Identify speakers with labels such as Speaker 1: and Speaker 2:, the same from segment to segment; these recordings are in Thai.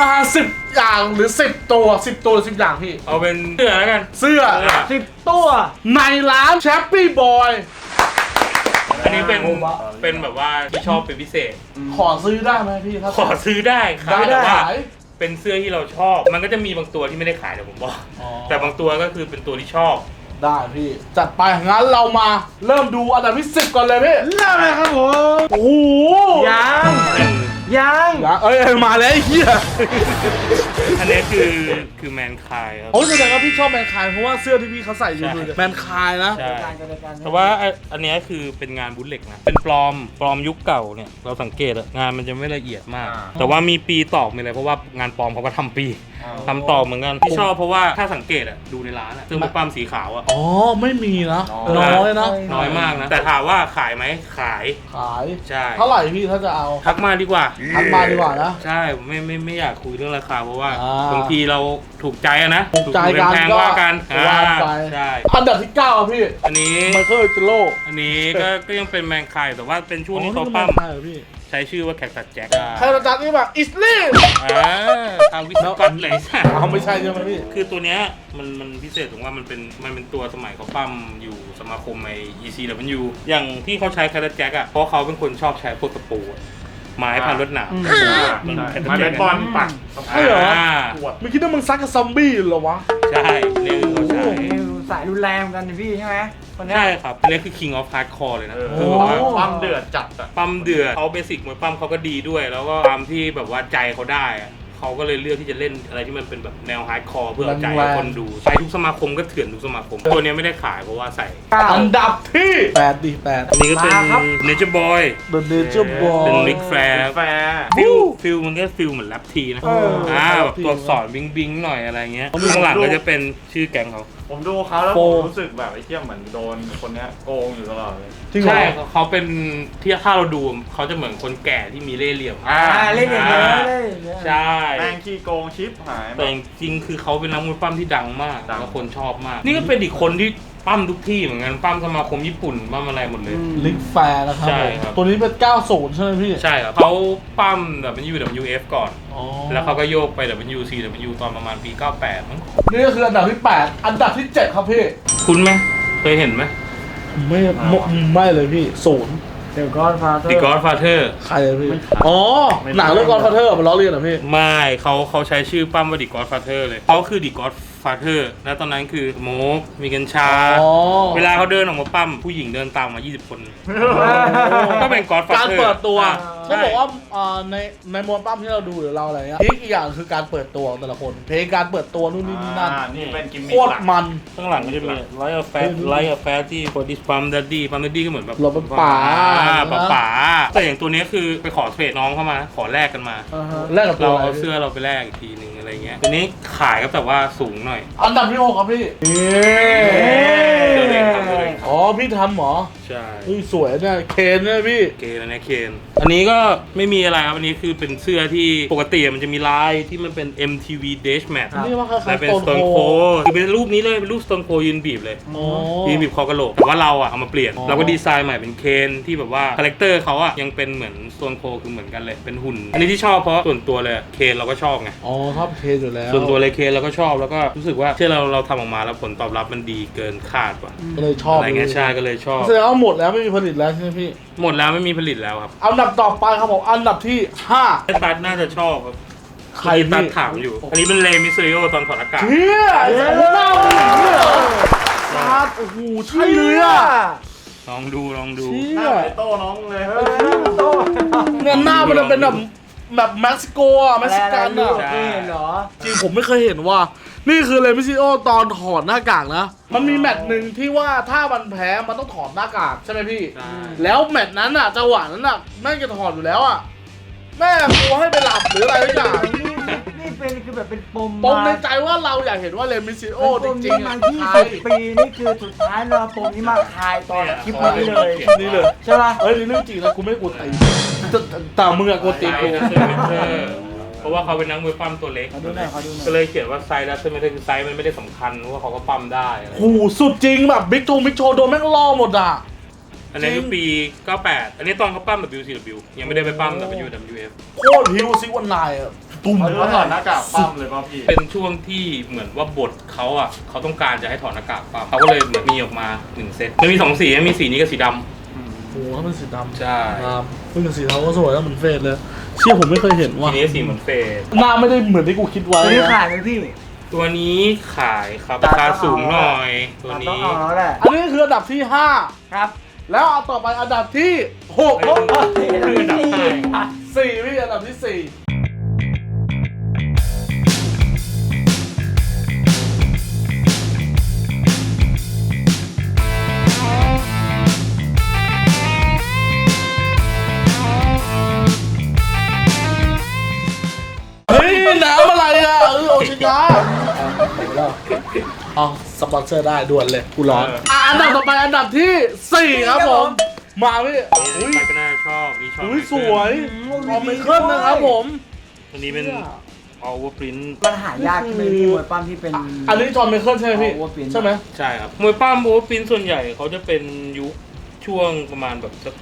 Speaker 1: มา10 อย่างหรือ10 ตัว10 ตัวหรือ10 อย่างพี่
Speaker 2: เอาเป็นเสื้อแล้วกัน
Speaker 1: เสื้อ
Speaker 3: 10 ตัว
Speaker 1: ในร้านแชปปี้บอย
Speaker 2: อันนี้เป็นแบบว่าที่ชอบเป็นพิเศษ
Speaker 1: ขอซื้อได้ไหมพี่ถ้า
Speaker 2: ขอซื้อได้ครับแต่ว่า
Speaker 1: ขาย
Speaker 2: เป็นเสื้อที่เราชอบ มันก็จะมีบางตัวที่ไม่ได้ขายเดี๋ยวผมบอก
Speaker 1: อ๋อ
Speaker 2: แต่บางตัวก็คือเป็นตัวที่ชอบ
Speaker 1: ได้พี่จัดไปงั้นเรามาเริ่มดูอันดับที่10ก่อนเลยพี่
Speaker 3: เริ่มเลยครับผม
Speaker 1: โอ้โห
Speaker 3: ยังยัง
Speaker 1: เอ้ยมาแล้วไอ้เหี้ย
Speaker 2: อันนี้คือแมนคายครับ
Speaker 1: โอ้แสดงว่าพี่ชอบแมนคายเพราะว่าเสื้อที่พี่เขาใส่อยู่
Speaker 2: ใช่
Speaker 1: แมนคายนะ
Speaker 2: ใช่
Speaker 3: การจัดการ
Speaker 2: แต่ว่าอันนี้คือเป็นงานบุลเล็กนะ เป็นปลอมยุคเก่าเนี่ย เราสังเกตอะงานมันจะไม่ละเอียดมาก แต่ว่ามีปีตอกมีอะไรเพราะว่างานปลอมเขาก็ทำปีทำตอกเหมือนกันที่ชอบเพราะว่าถ้าสังเกตอะดูในร้านอะซึ่งเป็นปั๊มสีขาวอะ
Speaker 1: อ๋อไม่มีนะน้อยนะ
Speaker 2: น้อยมากนะ แต่ถามว่าขายไหมขาย
Speaker 1: ขาย
Speaker 2: ใช่
Speaker 1: เท่าไหร่พี่ถ้าจะเอา
Speaker 2: ทักมาดีกว่า
Speaker 1: ทักมาดีกว่านะ
Speaker 2: ใช่ไม่อยากคุยเรื่องราคาเพราะว่า
Speaker 1: อ่า
Speaker 2: บางทีเราถูกใจอะนะ
Speaker 1: ถูกใจกัน
Speaker 2: แพง
Speaker 1: ก็
Speaker 2: ว่ากัน
Speaker 1: ว่าไป
Speaker 2: ใช่
Speaker 1: อันดับที่9อ่ะพี่
Speaker 2: อันนี้
Speaker 1: ไมเคิลเจโร่
Speaker 2: อันนี้ก็ยังเป็นแมงคายแต่ว่าเป็นช่วงที่เขา
Speaker 1: ปั้
Speaker 2: ปั้
Speaker 1: ม
Speaker 2: ม
Speaker 1: พี่
Speaker 2: ใช้ชื่อว่าแคคตัสแจ็ค
Speaker 1: ใครจะจัดนี่แบบอิสลี่
Speaker 2: ทางวิศวกรเลยใช่
Speaker 1: เอาไม่ใช่ใช่ไหมพี่
Speaker 2: คือตัวเนี้ยมันพิเศษตรงว่ามันเป็นตัวสมัยเขาปั้มอยู่สมาคมไอ ECW อย่างที่เขาใช้แคคตัสแจ็คอะเพราะเขาเป็นคนชอบใช้พวกตะปูอะไม้พันรถหนาม
Speaker 4: มันเป็นบอลปัก
Speaker 1: ใช่เหรอ
Speaker 4: ขวด
Speaker 1: ไม่คิดว่ามึงซักกับซอมบี้เหรอวะ
Speaker 2: ใช่เนี่ยเขาใช้
Speaker 3: สายรุนแรงเหมือนกันนะพี่ใช่ไหมคนเนี้ย
Speaker 2: ใช่ครับอันนี้คือ King of Hardcore เลยนะ
Speaker 4: เออ
Speaker 2: คือแบบว่า
Speaker 4: ปั้มเดือดจัดอ่ะ
Speaker 2: ปั้มเดือดเขาเบสิกมวยปั้มเขาก็ดีด้วย แล้วก็ความที่แบบว่าใจเขาได้อะเขาก็เลยเลือกที่จะเล่นอะไรที่มันเป็นแบบแนวฮาร์ดคอร์เพื่อเอาใจให้คนดูใช้ทุกสมาคมก็เถื่อนทุกสมาคม ตัวเนี้ยไม่ได้ขายเพราะว่าใส่
Speaker 1: อันดับที่8ดิ8
Speaker 2: อันนี้ก็เป็น Nature Boy
Speaker 1: The Nature Boy
Speaker 2: เป็นมิกแฟร์
Speaker 4: แฟร์
Speaker 2: ฟิลมันก็ฟิลเหมือนแรปทีนะ
Speaker 1: เออ
Speaker 2: แบบตัวอักษรบิงหน่อยอะไรเงี้ยข้างหลังก็จะเป็นชื่อแก๊งเขา
Speaker 4: ผมดูเขาแล้ว
Speaker 1: โฟ
Speaker 4: ผมรู้สึกแบบไอ้เหี้ยเหมือนโดนคนเนี้ยโกงอยู่ตลอดเลย
Speaker 1: จริงเหรอ
Speaker 2: ใช่เขาเป็นที่ถ้าเราดูเขาจะเหมือนคนแก่ที่มีเล่ห์เหลี่ยม
Speaker 3: เล่นอย่างเงี้ยเล่นอย่างเงี้ย
Speaker 2: ใช่
Speaker 4: แม่งขี้โกงชิปหายหม
Speaker 2: แต่
Speaker 4: ด
Speaker 2: จริงๆคือเขาเป็นนักมวยปั้มที่ดังมาก
Speaker 4: ดัง
Speaker 2: แล้วคนชอบมาก นี่ก็เป็นอีกคนที่ปั้มทุกที่เหมือนกันปั้มสมาคมญี่ปุ่นปั้มอะไรหมดเลย
Speaker 1: ลิกแฟร์นะครับ
Speaker 2: ใช่
Speaker 1: ผม
Speaker 2: ครับ
Speaker 1: ตัวนี้เป็น 90 ใช่ไหมพี่
Speaker 2: ใช่ครับเขาปั้มแบบ WWF ก่อน
Speaker 1: อ๋อ
Speaker 2: แล้วเขาก็โยกไป WCW ตอนประมาณปี 98มั้ง
Speaker 1: นี่ก็คืออันดับที่ 8 อันดับที่ 7 ครับพี่
Speaker 2: คุ้นไหมเคยเห็นไหม
Speaker 1: ไม่เลยพี่0
Speaker 3: เดี๋ยวก้อนฟ้า
Speaker 2: The Godfather
Speaker 1: ใครเลยพี่ อ๋อ หนังเรื่องกอนฟาเธอร์มันล้อเลียนเหรอพี่
Speaker 2: ไม่เขาใช้ชื่อปั้มว่า The Godfather เลยเขาคือ The Godfather แล้วตอนนั้นคือโมกมีกัญชา
Speaker 1: อ๋อ
Speaker 2: เวลาเขาเดินออกมาปั้มผู้หญิงเดินตามมา 20 คน ก็เป็น Godfather
Speaker 1: การเปิดตัว
Speaker 2: ใช่
Speaker 1: เขาบอกว่าในมวยปั้มที่เราดูหรือเราอะไรเงี้ยอีกอย่างคือการเปิดตัวของแต่ละคน เพลงการเปิดตัวนู่นนี่นั่น
Speaker 4: นี่เป็นกิมมิ
Speaker 1: โค
Speaker 4: ค
Speaker 1: ต
Speaker 4: ห
Speaker 1: ร
Speaker 4: ลัก
Speaker 1: มัน
Speaker 2: ข้างหลังก็จะมี Light of Fat Light of Fat ที่ For this Pump Daddy Pump Daddy ก็เหมือนแบบ
Speaker 1: เราเป็นป๋า
Speaker 2: ป๋าแต่อย่างตัวเนี้ยคือไปขอเทรดน้องเข้ามา ขอแลกกันมา
Speaker 1: แรกกับตั
Speaker 2: เรา
Speaker 1: วอะไร
Speaker 2: เอา
Speaker 1: พี่
Speaker 2: เสื้อเราไปแลกอีกทีนึงอะไรเงี้ยตัวนี้ขายก็แต่ว่าสูงหน่อย
Speaker 1: อันดับที่ 6 ครับพี่
Speaker 2: เสื้อเด็กครับเสื้อเด็กครับ
Speaker 1: อ๋อ พี่ทำเหรอ
Speaker 2: ใช่
Speaker 1: เฮ้ยสวยเนี่ยเคนเนี่ยพี่
Speaker 2: เคนอันนี้เคนอันนี้ก็ไม่มีอะไรครับอันนี้คือเป็นเสื้อที่ปกติมันจะมีลายที่มันเป็น MTV Dash Match
Speaker 1: นี่ว่าคล้ายๆ
Speaker 2: และเป็น
Speaker 1: Stone
Speaker 2: Stone
Speaker 1: Cold
Speaker 2: Cold คือเป็นรูปนี้เลยเป็นรูป Stone Cold ยืนบีบเลย
Speaker 1: อ๋อ
Speaker 2: ยืนบีบคอกระโหลกแต่ว่าเราอะเอามาเปลี่ยน
Speaker 1: อ๋อ
Speaker 2: เราก็ดีไซน์ใหม่เป็นเคนที่แบบว่าคาแรคเตอร์เขาอะยังเป็นเหมือน Stone Cold คือเหมือนกันเลยเป็นหุ่น อันนี้ที่ชอบเพราะส่วนตัวเลยเคนเราก็ชอบไง
Speaker 1: อ๋อชอบเคนอยู่แล้ว
Speaker 2: ส่วนตัวเลยเคนเราก็ชอบแล้วก็รู้สึกว่าที่เราทำออกมาแล้วผลตอบรับมันดีเกินคาดว่ะ
Speaker 1: ก็เลยชอบ
Speaker 2: อะไรเงี้ยใช่ก็เลยชอบ
Speaker 1: แสดงว่าหมดแล้วไม่มีผลิตแล้วใช่ไหมพี่
Speaker 2: หมดแล้วไม่มีผลิตแล้วครับ
Speaker 1: อันดับต่อไปครับผมอันดับที่
Speaker 2: ไอ้ตัดน่าจะชอบครับ
Speaker 1: ใคร
Speaker 2: ตัด
Speaker 1: พี่
Speaker 2: ถามอยู่ อันนี้เป็นเลมิสเซโอตอนถอดอากาศ
Speaker 1: 5เฮียไอ้สัตว์หน้ามึงอย่างนี้เหรอซาดโอ้โหใช่เลยอ่ะ
Speaker 2: ลองดู
Speaker 1: เชี่
Speaker 4: หน้าย ไอโต้น้องเลยเฮ้ย
Speaker 1: เนี่ยหน้ามันจะเป็นแบบเม็กซิโกอ่ะเม็กซิกันอ่ะ
Speaker 3: ไม่เห็นเหรอ
Speaker 1: จริงผมไม่เคยเห็นว่า นี่คือเลมิซิโอตอนถอดหน้ากากนะ มันมีแมตช์หนึ่งที่ว่าถ้ามันแพ้มันต้องถอดหน้ากากใช่ไหมพี่
Speaker 2: ใช่
Speaker 1: แล้วแมตช์นั้นอ่ะจังหวะนั้นอ่ะแม่งจะถอดอยู่แล้วอ่ะแม่กลัวให้ไปหลับหรืออะไรทุกอย่าง
Speaker 3: นี่เป็นคือแบบเป็นปม
Speaker 1: ปมในใจว่าเราอยากเห็นว่าเลมิซิโอจริงๆ
Speaker 3: มั
Speaker 1: อ่ะ
Speaker 3: น
Speaker 1: ใช่
Speaker 3: 20 ปีนี่คือสุดท้ายเราปมนี้มาคลายตอนคลิปนี้เลย
Speaker 1: นี่เลย
Speaker 3: ใช่ป่ะ
Speaker 1: เฮ้ยนี่เรื่องจริงนะกูไม่กลัวตีแต่มึงอะกลัวตีกู
Speaker 2: เพราะว่าเขาเป็นนักมวยปั้มตัวเล็ก
Speaker 3: ขอดูหน่อยขอดูหน่อย
Speaker 2: ก็เลยเขียนว่าไซส์ดัซไม่ได้คือไซส์มันไม่ได้สำคัญเพราะว่าเขาก็ปั้มได้อะไร
Speaker 1: โอ้โหสุดจริงแบบบิ๊กโชว์โดนแม่งล่อหมดอ่ะ
Speaker 2: อันนี้คือปี 98 อันนี้ตอนเขาปั้ม WCW ยังไม่ได้ไปปั้ม WWF
Speaker 1: โคตรพิวซิวันนายอ่ะตุ่ม
Speaker 4: เขาถอดหน้ากากปั้มเลยป่ะพี่
Speaker 2: เป็นช่วงที่เหมือนว่าบทเขาอ่ะเขาต้องการจะให้ถอดหน้ากากปั้มเขาก็เลยเหมือนมีออกมา1เซตมันมี2สีมีสีนี้กับสีดำ
Speaker 1: โอ้โหถ้าเป็นสีดำ
Speaker 2: ใช่
Speaker 1: ครับเพิ่งกับสีเทาก็สวยแล้วเหมือนเฟสเลยเชี่ยผมไม่เคยเห็นว่ะ
Speaker 2: ทีนี้สีเหมือนเฟส
Speaker 1: หน้าไม่ได้เหมือนที่กูคิดไว้
Speaker 3: ตัวนี้
Speaker 1: นะ
Speaker 3: ขายไหมพี่
Speaker 2: ตัวนี้ขายครับราคาสูงหน่อยตัว
Speaker 3: ต้อง
Speaker 2: นี้
Speaker 3: เอาแล้วแหละ
Speaker 1: อันนี้คืออันดับที่
Speaker 3: ครับ
Speaker 1: 5 แล้วเอาต่อไปอันดับที่ 6
Speaker 2: เฮ้ย อันดับห้า
Speaker 1: 4พี่อันดับที่ 4เฮ้ยน้ำอะไรอ่ะโอชิกาเอาสปอนเซอร์ได้ด่วนเลยกูร้อนอันดับต่อไปอันดับที่ 4 ครับผม มาพี่
Speaker 2: อุ้ยใครก็น่าชอบนี่ชอบ
Speaker 1: อุ้ยสวยคอมเมเคิลนะครับผม
Speaker 2: อันนี้เป็น Overprint
Speaker 3: มันหายากใช่ไหมพี่มวยปั้มที่เป็น
Speaker 1: อันนี้จอห์นไมเคิลใช่ไหมพี่
Speaker 3: Overprint
Speaker 1: ใช่ไหม
Speaker 2: ใช่ครับมวยปั้ม Overprint ส่วนใหญ่เขาจะเป็นยุคช่วงประมาณแบบสัก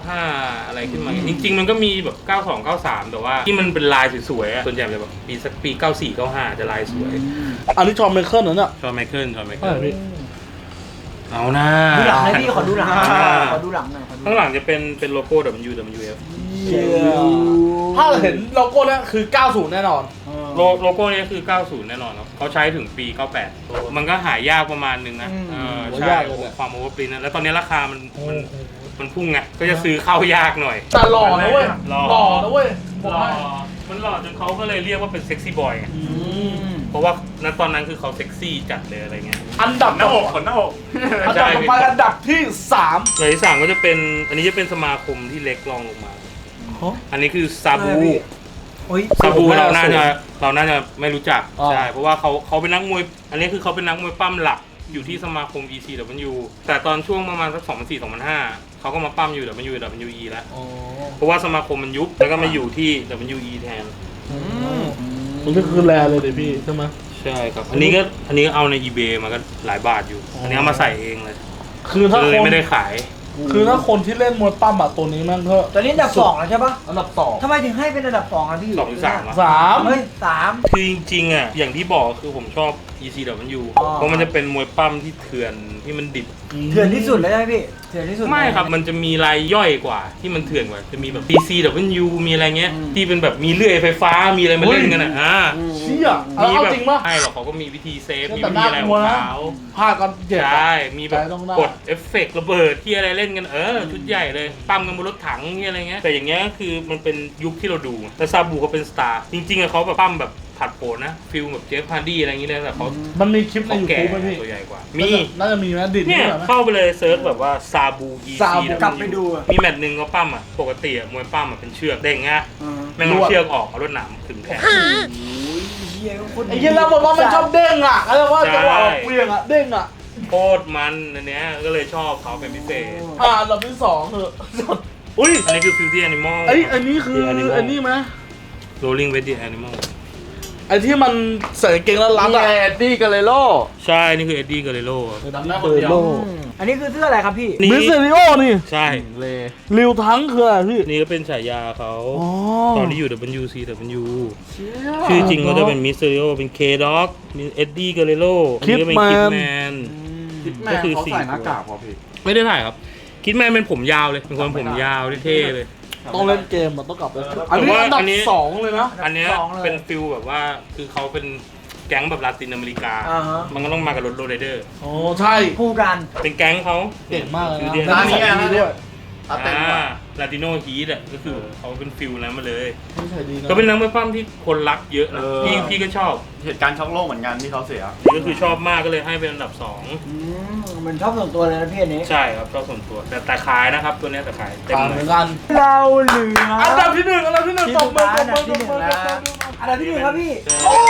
Speaker 2: 95 อะไรขึ้นมา จริงๆ มันก็มีแบบ92 93 แต่ว่าที่มันเป็นลายสวยๆอะส่วนใหญ่เลยแบบปี94 95 จะลายสวย
Speaker 1: อันนี้จอห์นไมเคิลนั่นอ่ะ
Speaker 2: ชอบไมเคิลชอบไม
Speaker 1: ใช่
Speaker 2: เคิล
Speaker 1: พี่
Speaker 2: เอาหน้า
Speaker 3: ดูหลังหน่อยพี่ขอดูหลังหน่อย
Speaker 2: อ่า
Speaker 3: ขอดูหลังหน่อยขอดู
Speaker 2: ข้างหลังจะเป็นโลโก้ WWF
Speaker 1: ถ้าเห็นโลโก้เนี้ยคือ 90 แน่นอน
Speaker 2: โลโก้นี้คือ 90 แน่นอนครับเขาใช้ถึงปี 98 มันก็หายากประมาณนึงนะใช่ความโอเวอร์ปรินท์แล้วตอนนี้ราคามันพุ่งไงก็จะซื้อเข้ายากหน่อย
Speaker 1: แต่หล่อนะเว้ย
Speaker 2: หล่อ
Speaker 1: หล่อนะเว้ยผม
Speaker 2: หล่อ
Speaker 1: ว่า
Speaker 2: มันหล่อจนเขาก็เลยเรียกว่าเป็นเซ็กซี่บอยไง
Speaker 1: อืม
Speaker 2: เพราะว่าณตอนนั้นคือเขาเซ็กซี่จัดเลยอะไรเงี้ย
Speaker 1: อันดับ
Speaker 4: หน้าอกขนหน้าอก
Speaker 1: อันดับต่อไปอันดับที่ 3
Speaker 2: อย่างที่สามก็จะเป็นอันนี้จะเป็นสมาคมที่เล็กรองลงมา อันนี้คือซาบู
Speaker 3: โอ้ย
Speaker 2: ซาบู
Speaker 1: ผมว่า
Speaker 2: เราน่าจะไม่รู้จัก
Speaker 1: อ๋อ
Speaker 2: ใช่เพราะว่าเขาเป็นนักมวยอันนี้คือเขาเป็นนักมวยปั้มหลักอยู่ที่สมาคม ECW แต่ตอนช่วงประมาณสัก2004-2005เขาก็มาปั้มอยู่ WWE แล้ว
Speaker 1: อ๋อ
Speaker 2: เพราะว่าสมาคมมันยุบแล้วก็มาอยู่ที่ WE แทน
Speaker 1: มันก็คือแรเลยเดี๋ยวพี่ใช่ไหม
Speaker 2: ใช่ครับอันนี้ก็เอาใน eBay มาก็หลายบาทอยู่ อันนี้เอามาใส่เองเลย
Speaker 1: คือถ้า
Speaker 2: เล
Speaker 1: ค
Speaker 2: ย
Speaker 1: น
Speaker 2: ไม่ได้ขาย
Speaker 1: คือถ้าคนที่เล่นมวยปั้มอะตัวนี้แม่งก็
Speaker 3: ตอนนี้อันดับ2แล้วใช่ปะ
Speaker 1: อันดับ
Speaker 3: ทำไมถึงให้เป็นอันดับ2อ่ะพี่
Speaker 2: 2 หรือ 3
Speaker 1: 2 3
Speaker 3: เฮ้ย3
Speaker 2: คือจริงๆอ่ะอย่างที่บอกคือผมชอบ ECW
Speaker 3: อ๋อ
Speaker 2: เพราะมันจะเป็นมวยปั้มที่เถื่อนที่มันดิบ
Speaker 3: เถื่อนที่สุดเลยใช่ไหมพี่เถื่อนที่สุด
Speaker 2: ไม่ครับ มันจะมีรายย่อยกว่าที่มันเถื่อนกว่า จะมีแบบ PCW มีอะไรเงี้ย ที่เป็นแบบมีเลื่อยไฟฟ้า มีอะไรมาเล่นกันอ่ะ
Speaker 1: เชี่ยเอาเอาจริงปะ
Speaker 2: ใช่หรอกเขาก็มีวิธีเซฟ มี
Speaker 1: แต่
Speaker 2: วิธีอะไรของเขา
Speaker 1: พลาดก็เจ็บ
Speaker 2: ใช่ มีแบบ
Speaker 1: ใจต้องได้
Speaker 2: กดเอฟเฟกต์ระเบิดที่อะไรเล่นกันชุดใหญ่เลย ปั้มกันบนรถถังที่อะไรเงี้ย แต่อย่างเงี้ยคือมันเป็นยุคที่เราดู แต่ซาบูเขาเป็นสตาร์ จริงๆอะเขาแบบปั้มแบบผัดโผนนะ ฟิลแบบเจฟฮาร์ดี้อะไรอย่างเงี้ยแต่เขา
Speaker 1: มันมีคลิปใน
Speaker 2: เขา
Speaker 1: ยู
Speaker 2: แก่
Speaker 1: ทูบไหมพี่
Speaker 2: ตัวใหญ่กว่า มี
Speaker 1: น่าจะมีไหมดิด
Speaker 2: เนี่ย
Speaker 1: นี่ไหม
Speaker 2: เข้าไปเลยเซิร์ชแบบว่าซาบูอี
Speaker 1: ซาบู
Speaker 2: ซี
Speaker 3: กลับไปดูอะ
Speaker 2: มีแมตช์หนึ่งเขาปั้มอ่ะปกติอะมวยปั้มอ่ะเป็นเชือกเด้งไง
Speaker 3: อืม
Speaker 2: แม่งเอาเชือกออกเอารถหนามขึงแขน
Speaker 3: โอ้ยเหี้ยโคตร
Speaker 1: ไอ้เหี้ยแล้วบอกว่ามันชอบเด้งอ่ะแล้วว่าจังหวะเปลี่ยงอ่ะเด้งอ่ะ
Speaker 2: โคตรมันอันเนี้ยก็เลยชอบเขาเป็นพิเศษ
Speaker 1: อันดับที่2คืออุ้ย
Speaker 2: อันนี้คือฟิวตี้แอนิมอล
Speaker 1: อันนี้คืออันนี้ไหม
Speaker 2: โรลลิ่งเวดดี้แอนิมอล
Speaker 1: ไอ้ที่มันใส่กางเกงแล้วรัด
Speaker 3: นี่
Speaker 1: อ่ะ
Speaker 3: ไง
Speaker 1: ดี้กันเลยโล
Speaker 2: ใช่นี่คือเอ็ดดี้เกเรโร่
Speaker 1: ดำหน้าคนเดียว
Speaker 3: อันนี้คือเสื้ออะไรครับพี่
Speaker 1: มิสเซริโอนี่
Speaker 2: ใช่
Speaker 1: ริวทั้งคืออะไรพี่
Speaker 2: นี่ก็เป็นฉายาเขา
Speaker 1: อ๋อ
Speaker 2: ตอนที่อยู่ WCW ชื่อจริงเขาจะเป็นมิสเตอริโอเป็นเคด็อกมีเอ็ดดี้เกเรโร่อันนี้ก็เป็นคิดแมน
Speaker 4: แม่เขาใส่หน้ากากพอพี่
Speaker 2: ไม่ได้ถ่ายครับคิดแมนเป็นผมยาวเลยเป็นคนผมยาวเท่ๆเลย
Speaker 1: ต้องเล่นเกมมันต้องกลับไปอันนี้อันดับ
Speaker 2: อันนี้
Speaker 1: 2เลยนะ
Speaker 2: อันเนี้ย
Speaker 3: สองเลย
Speaker 2: เป็นฟิลแบบว่าคือเขาเป็นแก๊งแบบลาตินอเมริกา
Speaker 3: อ่าฮะ
Speaker 2: มันก็ต้องมากับรถโรลเลเดอร์
Speaker 1: โอ้ใช่
Speaker 3: คู่กัน
Speaker 2: เป็นแก๊งเขา
Speaker 1: เก่งมากเลย
Speaker 2: ฟิล
Speaker 1: นะ
Speaker 2: เดีย
Speaker 1: แล้วนี่ใส่ดีด้วย
Speaker 4: ตัดเต็มกว่า
Speaker 2: ลาติโนฮีทอ่ะก็คือเขาเป็นฟิลนั้นมาเลย
Speaker 1: นี่ใส่ดีนะ
Speaker 2: ก็เป็นนักมวยปั้มที่คนรักเยอะนะพี่ก็ชอบ
Speaker 4: เหตุการณ์ช็อกโลกเหมือนกันที่เขาเสีย
Speaker 2: นี่ก็คือชอบมากก็เลยให้เป็นอันดับ
Speaker 3: เหมือนชอบส่วนตัวเลยนะพี่อันนี้
Speaker 2: 2 ใช่ครับชอบส่วนตัวแต่ขายนะครับตัวเนี้ยแต่ขายเต็ม
Speaker 1: ต่าง
Speaker 2: เล
Speaker 1: เหมื
Speaker 2: ย
Speaker 1: อนกัน
Speaker 3: เราเหลือ
Speaker 1: อันดับที่หนึ่งอันดับที่หนึ่ง
Speaker 3: ที่
Speaker 1: ตบมือ
Speaker 3: สุดท้าย
Speaker 1: ตบมือ
Speaker 3: อันดับที่หนึ่งครับพี่
Speaker 2: ใช่
Speaker 3: โอ้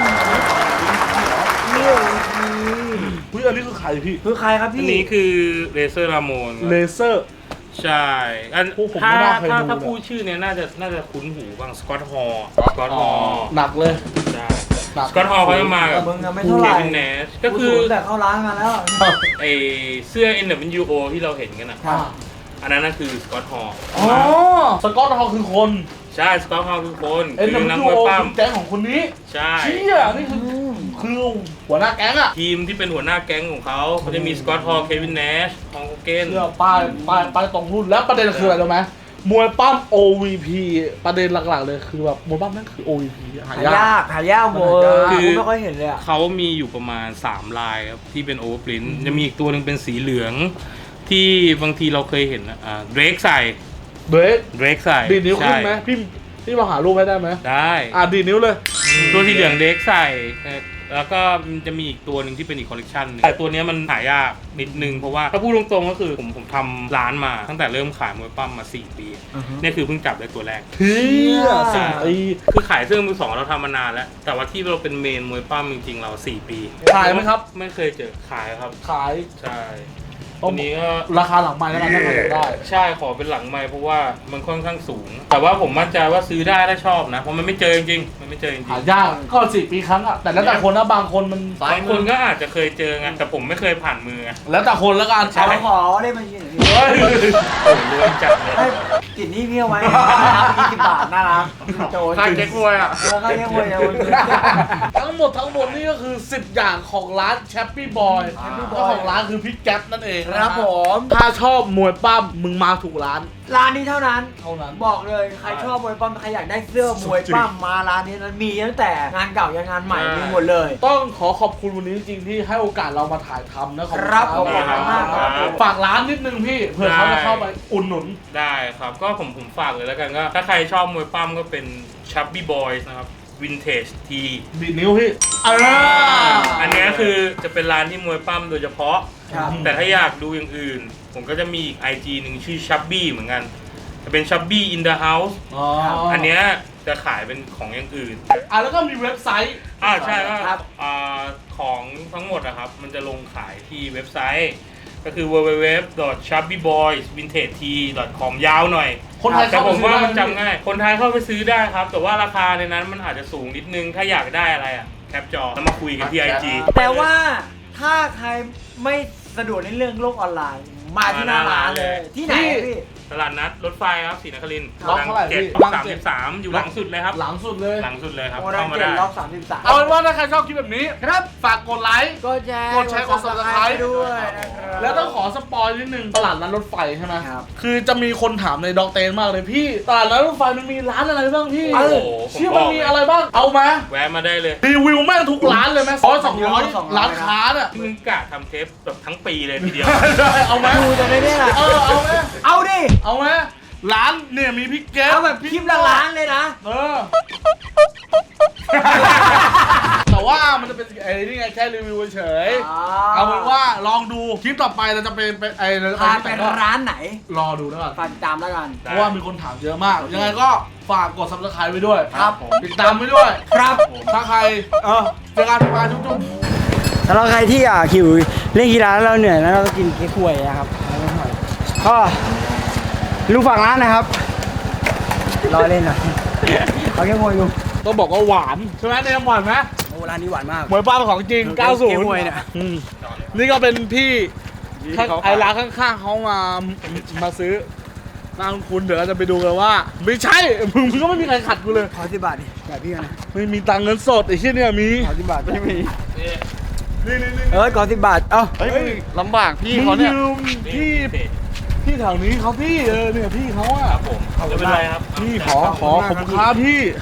Speaker 3: เยี่ยม
Speaker 1: อุ้ยอันนี้คือใครพี่
Speaker 3: คือใครครับ
Speaker 2: อั
Speaker 3: พี่
Speaker 2: นนี้คือเลเซอร์รามอน
Speaker 1: เลเซอร์
Speaker 2: ใช่อัน
Speaker 1: โอ้ผม
Speaker 2: ถ้า
Speaker 1: ไม่น่าเคยดู
Speaker 2: ถ้า
Speaker 1: เลย
Speaker 2: พูดชื่อเนี้ยน่าจะคุ้นหูบ้างสกอตฮอลสกอตฮอล
Speaker 1: หนักเลย
Speaker 2: ใช่
Speaker 1: หนัก
Speaker 2: สกอตฮอลเขาจะมากับ
Speaker 3: มึงอะไม่เท่าไหร่
Speaker 2: เควินเนชก็คือ
Speaker 3: แต่เข้าร้านมาแล้ว
Speaker 2: ไอเสื้อ NWO ที่เราเห็นกันอ่ะ
Speaker 3: ครับ
Speaker 2: อันนั้นน่ะคือสกอตฮอล
Speaker 1: อ๋อสกอตฮอลคือคน
Speaker 2: ใช่สกอตฮอลคือคน
Speaker 1: เอ็น
Speaker 2: คือ
Speaker 1: ดับ
Speaker 2: นัก
Speaker 1: ยู
Speaker 2: มวย
Speaker 1: โอ
Speaker 2: ปั้ม
Speaker 1: แก๊งของคนนี้
Speaker 2: ใช่
Speaker 1: เชี่ยนี่คือหัวหน้าแก๊งอะ
Speaker 2: ทีมที่เป็นหัวหน้าแก๊งของเขาจะมีสกอตฮอลเควินเนชฮองโกเกน
Speaker 1: เชื่อป้ายตรงรุ่นแล้วประเด็นคืออะไรรู้ไหมมวยปั้ม OVP ประเด็นหลักๆเลยคือแบบมวยปั้มนั่นคือ OVP หายาก
Speaker 3: หมดกูไม่ค่อยเห็นเลยอ่ะ
Speaker 2: เขามีอยู่ประมาณ3ลายครับที่เป็นโอเวอร์ปรินท์จะมีอีกตัวหนึ่งเป็นสีเหลือง ที่บางทีเราเคยเห็นนะเดรกใส่
Speaker 1: เบรก
Speaker 2: เดรกใส่
Speaker 1: ดีดนิ้วขึ้นไหม
Speaker 2: ใช่
Speaker 1: พี่มาหารูปให้ได้ไหม
Speaker 2: ได้
Speaker 1: ดีดนิ้วเลย
Speaker 2: ตัวสีเหลืองเดรกใส่แล้วก็มันจะมีอีกตัวหนึ่งที่เป็นอีกคอลเลคชันหนึงแต่ตัวเนี้ยมันหายากนิดนึงเพราะว่าถ้าพูดตรงๆก็คือผมทำร้านมาตั้งแต่เริ่มขายมวยปั้มมา4 ปีเนี่ยคือเพิ่งจับได้ตัวแรก
Speaker 1: เฮีย
Speaker 2: ใช่
Speaker 1: ไอ้
Speaker 2: คือขายเสื้อมือสองเราทำมานานแล้ว แต่ว่าที่เราเป็นเมนมวยปั้มจริงๆเรา4 ปี
Speaker 1: ขายไหมครับ
Speaker 2: ไม่เคยเจอขายครับ
Speaker 1: ขาย
Speaker 2: ใช่ตัวนี้ก็
Speaker 1: ราคาหลังไม้แล้วกันถ้าใครอยากได้
Speaker 2: ใช่ขอเป็นหลังไม้เพราะว่ามันค่อนข้างสูง แต่ว่าผมมั่นใจว่าซื้อได้ถ้าชอบนะ เพราะมันไม่เจอจริงๆมันไม่เจอจริง
Speaker 1: หายากก็4 ปีครั้งอะแต่แล้วแต่คนนะบางคนมัน
Speaker 2: ๆบางคนก็อาจจะเคยเจอไงแต่ผมไม่เคยผ่านมือไง
Speaker 1: แล้วแต่คนแล้วกัน
Speaker 2: ใช่
Speaker 3: เอาขอได้มายืนหน่อยพี่
Speaker 1: เฮ้ย
Speaker 2: โอ้โหรวยจัดเลย
Speaker 3: ให้ติดหนี่พี่เอาไว้นะครับ20 บาทน่ารักโจ
Speaker 4: ค่าเก๊กมวยอ่ะ
Speaker 3: ค่าเก๊กมวยนะ
Speaker 1: ทั้งหมดนี่ก็คือ10 อย่างของร้านแชปปี้บอยเจ้าของร้านคือพี่แก๊ปนั่นเอง
Speaker 3: ครับผม
Speaker 1: ถ้าชอบมวยปั้มมึงมาถูกร้าน
Speaker 3: ร้านนี้เท่านั้น
Speaker 1: เท่านั้น
Speaker 3: บอกเลยใครชอบมวยปั้มใครอยากได้เสื้อมวยปั้มมาร้านนี้นั้นมีตั้งแต่งานเก่ายันงานใหม่มีหมดเลย
Speaker 1: ต้องขอบคุณวันนี้จริงๆที่ให้โอกาสเรามาถ่ายทำนะขอบ
Speaker 3: ครับ
Speaker 1: คุณ
Speaker 3: ขอบคุณมากครับผม
Speaker 1: ฝากร้านนิดนึงพี่เผื่อเขาจะเข้าไปอุ่นหนุน
Speaker 2: ได้ครับก็ผมฝากเลยแล้วกันก็ถ้าใครชอบมวยปั้มก็เป็น Chubby Boys นะครับ Vintage T
Speaker 1: ดีดนิ้วพี่
Speaker 2: อันเนี้ยคือจะเป็นร้านที่มวยปั้มโดยเฉพาะ
Speaker 3: ครับ
Speaker 2: แต่ถ้าอยากดูอย่างอื่น ผมก็จะมีอีก IG หนึ่งชื่อ Chubby เหมือนกันจะเป็น Chubby in the House อันเนี้ยจะขายเป็นของอย่างอื่น
Speaker 1: แล้วก็มีเว็บไซต์
Speaker 2: ใช่ก็
Speaker 3: ครับ
Speaker 2: ของทั้งหมดนะครับ มันจะลงขายที่เว็บไซต์ ก็คือ www.chubbyboysvintage.com ยาวหน่อย
Speaker 1: คนไทย
Speaker 2: แต่
Speaker 1: เข้า
Speaker 2: ผ
Speaker 1: ไป
Speaker 2: ม
Speaker 1: ซื้อ
Speaker 2: ว่า
Speaker 1: ได้
Speaker 2: มันจำง่าย คนไทยเข้าไปซื้อได้ครับ แต่ว่าราคาในนั้นมันอาจจะสูงนิดนึง ถ้าอยากได้อะไรอ่ะ แคปจอแล้วมาคุยกันที่ IG
Speaker 3: แต่ว่าถ้าใครไม่สะดวกในเรื่องโลกออนไลน์ มาที่หน้าร้านเลย ที่ไหนอะพี่
Speaker 2: ตลาดนัดรถไฟครับศรีนครินทร์
Speaker 1: ล็อกเท่าไหร่
Speaker 2: เจ็ด
Speaker 1: พี่
Speaker 2: ล็อก33 อยู่หลังสุดเลยครับ
Speaker 1: หลังสุดเลย
Speaker 2: หลังสุดเลยครับ
Speaker 3: โมเดล
Speaker 2: เข้ามา
Speaker 3: เจ็
Speaker 2: ได้
Speaker 3: ดล็อก33
Speaker 1: เอาเป็นว่าถ้าใครชอบคลิปแบบนี้
Speaker 3: ครับ
Speaker 1: ฝากกดไลค์
Speaker 3: กดแชร์
Speaker 1: กดแชร์กด Subscribe
Speaker 3: ด้วยนะครับ
Speaker 1: แล้วต้องขอสปอยนิดนึงตลาดนัดรถไฟใช่ไหม
Speaker 3: ครับ
Speaker 1: คือจะมีคนถามในด็อกเตนมากเลยพี่ตลาดนัดรถไฟมันมีร้านอะไรบ้างพี่
Speaker 2: โอ้โหผม
Speaker 1: เชื่อ
Speaker 2: บอก
Speaker 1: มันมีอะไรบ้างเอามา
Speaker 2: แวะมาได้เลย
Speaker 1: รีวิวแม่งทุกร้านเลยไหม200 ร้านค้าน่ะ
Speaker 2: มึงกะทำเทปแบบทั้งปีเลยทีเดียว
Speaker 1: เอาไหม
Speaker 3: ดูจะได้เนี่ย
Speaker 1: เอาไหม
Speaker 3: เอาดิ
Speaker 1: เอาไหมร้านเนี่ยมีพี่แก๊ป
Speaker 3: เอาแบบคลิปละล้านเลยนะ
Speaker 1: แต่ว่ามันจะเป็นไอ้นี่ไงแค่รีวิวเฉยเอาเป็นว่าลองดูคลิปต่อไปเราจะเป็นไอ้เราจะ
Speaker 3: พา
Speaker 1: ไป
Speaker 3: ไป
Speaker 1: ที่ไหนก็
Speaker 3: ร้านไหน
Speaker 1: รอดูแล้วกัน
Speaker 3: ฝากติดตามแล้วกัน
Speaker 1: เพราะว่ามีคนถามเยอะมาก ยังไงก็ฝากกด subscribe ไว้ด้วย
Speaker 3: ครับ
Speaker 1: ติดตามไว้ด้วย
Speaker 3: ครับ
Speaker 1: ถ้าใครเจอกันมาจุ๊บ
Speaker 3: สำหรับใครที่หิวเล่นกีฬาแล้วเราเหนื่อยแล้วเราก็กินเค้กกล้วยนะครับก็ลูกฝากร้านนะครับรอเล่นหน่อยเอาเค้กกล้วยดู
Speaker 1: ต้องบอกว่าหวานใช่ไหมเนี่ยหวานไหม
Speaker 3: โอ้ร้านนี้หวานมาก
Speaker 1: หมวยป้าเป็นของจริง
Speaker 3: เก๊กฮวยเนี่ย
Speaker 1: อืมนี่ก็เป็นพี่ไอ้ร้านข้างๆเขามาซื้อร้านคุณเดี๋ยวเราจะไปดูกันว่า ไม่ใช่มึงก็ไม่มีใครขัดกูเลย
Speaker 3: ขอ10 บาทดิแบบพี่กันนะ
Speaker 1: ไม่มีตังค์เงินสดไอ้เชี่ยเนี่ยมี
Speaker 3: ขอ10 บาทไม่มี
Speaker 1: นี่
Speaker 3: ขอ10 บาทเอ้า
Speaker 4: เฮ้ยลำบากพี่
Speaker 1: มึ
Speaker 4: เขา
Speaker 1: ง
Speaker 4: เนี่ย
Speaker 1: ยืมพี่แถวนี้เขาพี่เนี่ยพี่เขาอะ
Speaker 2: ครับผมไม่เป็นไรครับ
Speaker 1: พี่ขอขอบคุณครับพี่